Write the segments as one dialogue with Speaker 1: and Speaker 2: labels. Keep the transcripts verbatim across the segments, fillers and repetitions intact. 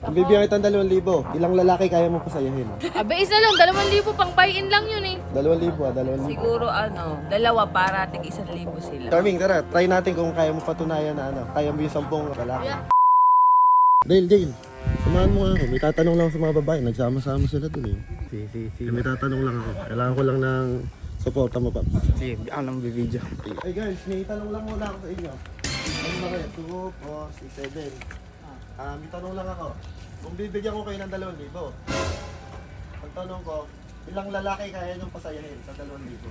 Speaker 1: Ang bibigyan kitang dalawang libo. Ilang lalaki kaya mo pasayahin?
Speaker 2: Abe, isa lang. Dalawang libo pang buy-in lang yun eh.
Speaker 1: Dalawang libo ah, dalawang libo.
Speaker 3: Siguro ano, dalawa para tig isang libo sila.
Speaker 1: Charming, tara, try natin kung kaya mo patunayan na ano, kaya mo yung sampung lalaki.
Speaker 2: Yeah.
Speaker 1: Dale, Dale, samahan mo nga ako. May tatanong lang ako sa mga babae. Nagsama-sama sila dun eh.
Speaker 4: Si, si, si.
Speaker 1: May tatanong lang ako. Kailangan ko lang ng suporta mo, Paps.
Speaker 4: Si, ako nang bibidyo.
Speaker 1: Hey guys, may tanong lang muna ako sa inyo. Ano ba kayo? two, four, six, seven. Ah, may tanong lang ako. Kung bibigyan ko kayo ng dalawang libo, ang tanong ko, ilang lalaki kaya niyong pasayahin sa dalawang libo?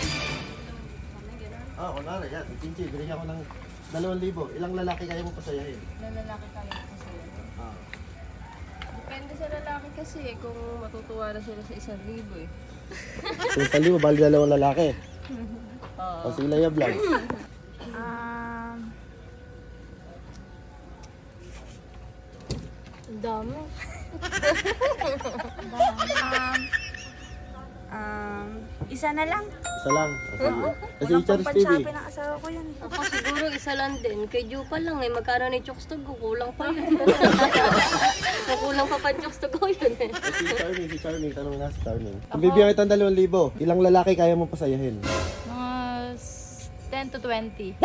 Speaker 1: Ah, kunwari, yan. Pinchi, binigyan ko ng dalawang libo. Ilang lalaki kaya mo pasayahin?
Speaker 2: Ilang lalaki kaya kasi.
Speaker 1: Ah.
Speaker 2: Depende sa lalaki kasi eh, kung matutuwa na sila sa isang libo eh.
Speaker 1: Kung sa libo, bali dalawang lalaki.
Speaker 2: Oo.
Speaker 1: O sila yung vlogs.
Speaker 2: Um, ang dami.
Speaker 5: Um, um, isa na lang.
Speaker 1: Isa lang. O, sige. Kasi
Speaker 5: Walang
Speaker 1: Charles T V.
Speaker 5: pampansyapi ng asawa ko yan.
Speaker 6: Ako siguro isa lang din. Kay Ju pa lang eh. Magkano ni Chokstog ko? Kulang pa yun. Kulang pa pa Chokstog ko yun eh.
Speaker 1: O, si Charming, si Charming. Tanong na si Charming. Kung bibigyan kitang dalawang libo, ilang lalaki kaya mo pasayahin?
Speaker 2: Mga ten to twenty.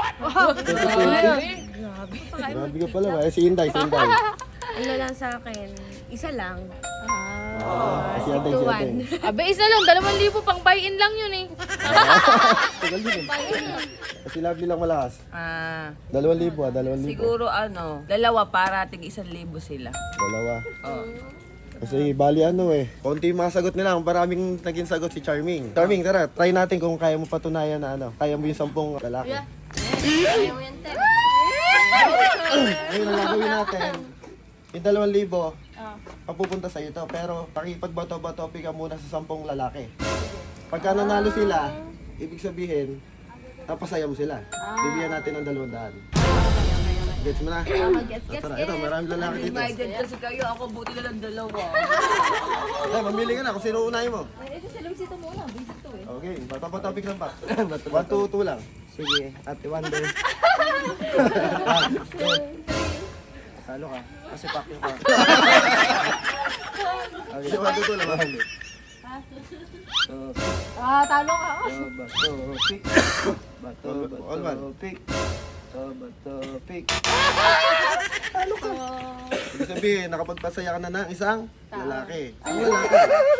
Speaker 1: Grabe ka pala ba? Eh, si Inday, si Inday.
Speaker 5: Ano lang sa akin, isa lang.
Speaker 1: Ah, si Inday, si Inday.
Speaker 2: Abe, isa lang. Dalawang libo pang buy-in lang yun eh.
Speaker 1: Tagal din eh. Kasi lovely lang malakas.
Speaker 3: Ah,
Speaker 1: Dalawang libo ah, dalawang libo.
Speaker 3: siguro ano, dalawa para tig isang libo sila.
Speaker 1: Dalawa.
Speaker 3: Oh.
Speaker 1: Kasi bali ano eh, konti yung mga sagot nila, maraming naging sagot si Charming. Charming, tara, try natin kung kaya mo patunayan na ano, kaya mo yung sampung lalaki.
Speaker 2: Yeah.
Speaker 6: Ayaw mo yan, Ted.
Speaker 1: Ngayon, ang gagawin natin, yung dalawang libo,
Speaker 2: Ah.
Speaker 1: papupunta sa ito, pero pakipagbato-bato ka muna sa sampung lalaki. Pagka nanalo sila, ibig sabihin, napasaya mo sila. Bibigyan natin ng dalawang daan. Gets mo na?
Speaker 2: Gets, gets,
Speaker 1: Tara, ito, maraming lalaki dito.
Speaker 3: Divided kasi kayo, ako buti na lang dalawa.
Speaker 1: Eh, mamili ka na kung sino unahin mo.
Speaker 2: Ay, ito si Luisito muna. Busy to eh.
Speaker 1: Okay, bato-topic lang pa. one, two, two lang.
Speaker 4: Sige, Ate Wonder. Talo ka. Kasi pakyo ka.
Speaker 1: Okay, one, two, two lang.
Speaker 4: So,
Speaker 2: Ah, talo ka.
Speaker 4: so, bato, pick. Bato,
Speaker 1: All
Speaker 4: bato,
Speaker 1: one.
Speaker 4: pick. Bato, bato, pick.
Speaker 1: Ibig sabihin, nakapagpasaya ka na ng isang lalaki. Ang lalaki.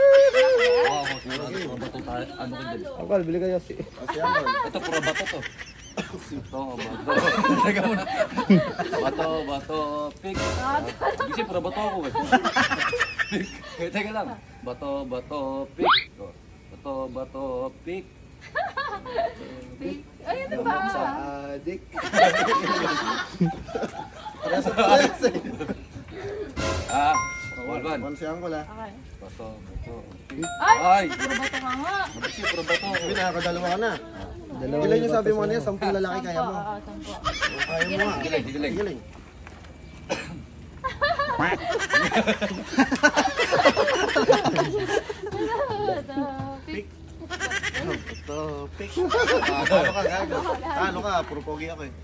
Speaker 4: Uncle, bili kayo si...
Speaker 1: Kasi ano,
Speaker 7: Ito, puro bato to. Ito, bato. Teka muna. Bato, bato, pick. Kasi puro bato ako eh. Pick. Eh, teka lang. Bato, bato, pick. Oh. Bato, bato, pick.
Speaker 2: Ay, ano ba?
Speaker 4: Sa adik.
Speaker 1: parehas sa parehas eh.
Speaker 7: Ah, Walvan.
Speaker 1: One si Uncle ah.
Speaker 2: Okay.
Speaker 7: Bato, bato, pick.
Speaker 2: Ay!
Speaker 7: Ay!
Speaker 2: Puro bato ka nga.
Speaker 7: Kasi puro bato ako.
Speaker 1: Sabi, nakakadalawa ka na.
Speaker 4: Dalawa
Speaker 1: Ilan yung sabi mo kanina? Sampung lalaki kaya mo.
Speaker 2: Ah, sampo.
Speaker 1: Kaya mo nga.
Speaker 7: Giling, giling.
Speaker 1: Giling.
Speaker 2: Pick.
Speaker 1: Ito, pick. Ah, Talo ka, gago. Talo ka, puro pogi ako eh.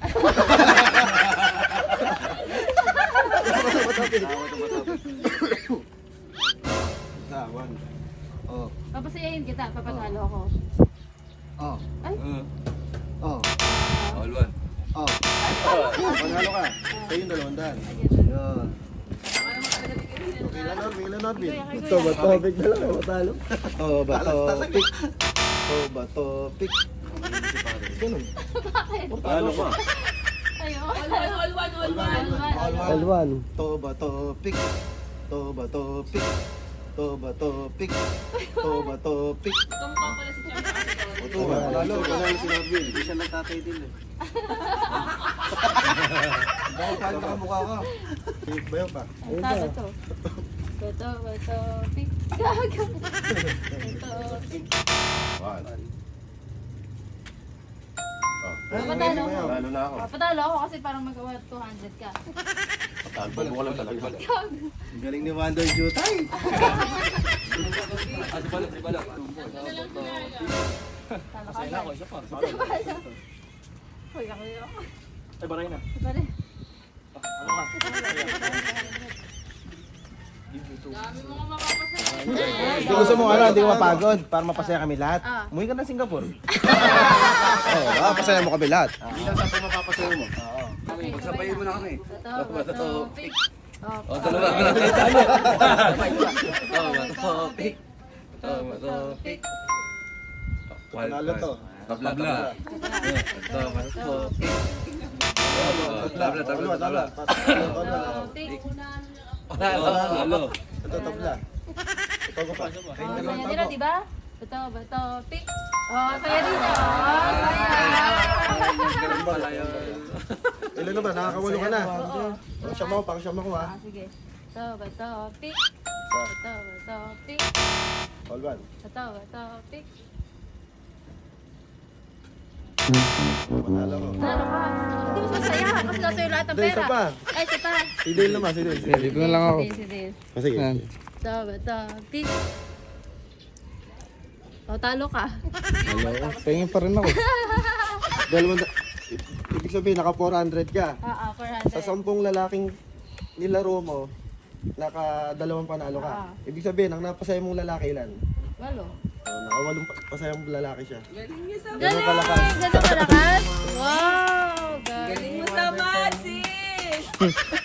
Speaker 1: Isa, one.
Speaker 4: Oh,
Speaker 2: Papasayahin kita. Papatalo ako.
Speaker 4: oh,
Speaker 7: Uh,
Speaker 4: oh,
Speaker 7: Walvan.
Speaker 4: oh.
Speaker 1: Panalo ka. Sa'yo yung dalawang daan.
Speaker 4: Yun.
Speaker 1: Okay lang, Norby. Ilan, Norby?
Speaker 4: Ito, bato, pick na lang. Matalo. Oh, bato, pick. Oh, bato, pick. Ganun.
Speaker 1: Panalo ka.
Speaker 2: Ayun.
Speaker 1: All one.
Speaker 4: L one.
Speaker 1: To ba to pick? To ba to pick? To ba to pick? To ba to pick? O to ba? Lalo, panalo si Norby.
Speaker 4: Hindi siya nagtatay din eh.
Speaker 1: Bakit paano ka mukha ka? Bayo pa.
Speaker 4: Ayun
Speaker 2: Talo
Speaker 4: ba?
Speaker 2: to. Bato, bato, pick. Gago. Bato, pick.
Speaker 1: One.
Speaker 2: Papatalo ako.
Speaker 1: Lalo na ako.
Speaker 2: Papatalo ako kasi parang magawa two hundred ka.
Speaker 1: Tagbal mo ka lang talaga.
Speaker 4: Ang galing ni Wonder Jutay.
Speaker 7: Ah, di bala, di bala.
Speaker 2: Talo ka.
Speaker 7: Ako, isa pa.
Speaker 2: Uy, ako yun ako.
Speaker 7: Ay, baray na.
Speaker 2: Pare.
Speaker 7: Ano ka?
Speaker 4: Hindi gusto mo ano, hindi ko mapagod para mapasaya kami lahat. Umuwi ka ng Singapore. Oo, ah, pasaya mo kami lahat.
Speaker 1: Hindi lang sa pumapapasaya mo.
Speaker 7: Pagsabayin mo na kami.
Speaker 6: Bato, bato, pick.
Speaker 7: O, dalawa ka lang. Talo. Bato, bato, pick. Bato, bato, pick.
Speaker 1: Panalo to.
Speaker 7: Tabla, tabla. Bato, bato, pick. Tabla, tabla, tabla.
Speaker 6: Bato, pick.
Speaker 7: Wala, talo.
Speaker 1: Ito, tabla. Ito ko pa.
Speaker 6: Oh, saya din na, di ba? Bato, bato, pick. Oh, saya din na. Oh, saya.
Speaker 7: Ganun pala yun.
Speaker 1: Ilan na ba? Nakakawalo ka na. Oh, siyam ako, pang siyam ako ha.
Speaker 6: Ah, sige. Bato, bato, pick. Bato, bato, pick.
Speaker 1: All one.
Speaker 6: Bato, bato, pick.
Speaker 1: Panalo ko.
Speaker 6: Ano ka? Hindi mo masaya kasi nasa iyo lahat ng
Speaker 1: Hindi,
Speaker 6: pera.
Speaker 1: isa pa.
Speaker 6: Ay, isa pa.
Speaker 1: Si Dale naman, si Dale. Si Dale.
Speaker 4: Dito na lang ako.
Speaker 6: Si Dale, si Dale.
Speaker 1: Ah, sige.
Speaker 6: Bato, bato, pick. O, talo ka.
Speaker 4: Hello, pahingin pa rin ako.
Speaker 1: Dalawang, ibig sabihin, naka four hundred ka.
Speaker 6: Ah, ah, four
Speaker 1: Sa
Speaker 6: hundred.
Speaker 1: sampung lalaking nilaro mo, naka dalawang panalo ka. Ibig sabihin, ang napasaya mong lalaki ilan?
Speaker 6: Walo.
Speaker 1: So, nakawalong pa- pasayang lalaki siya.
Speaker 6: Galing!
Speaker 1: kalakas.
Speaker 6: Ganun kalakas? Wow! Galing!
Speaker 3: Tama, sis!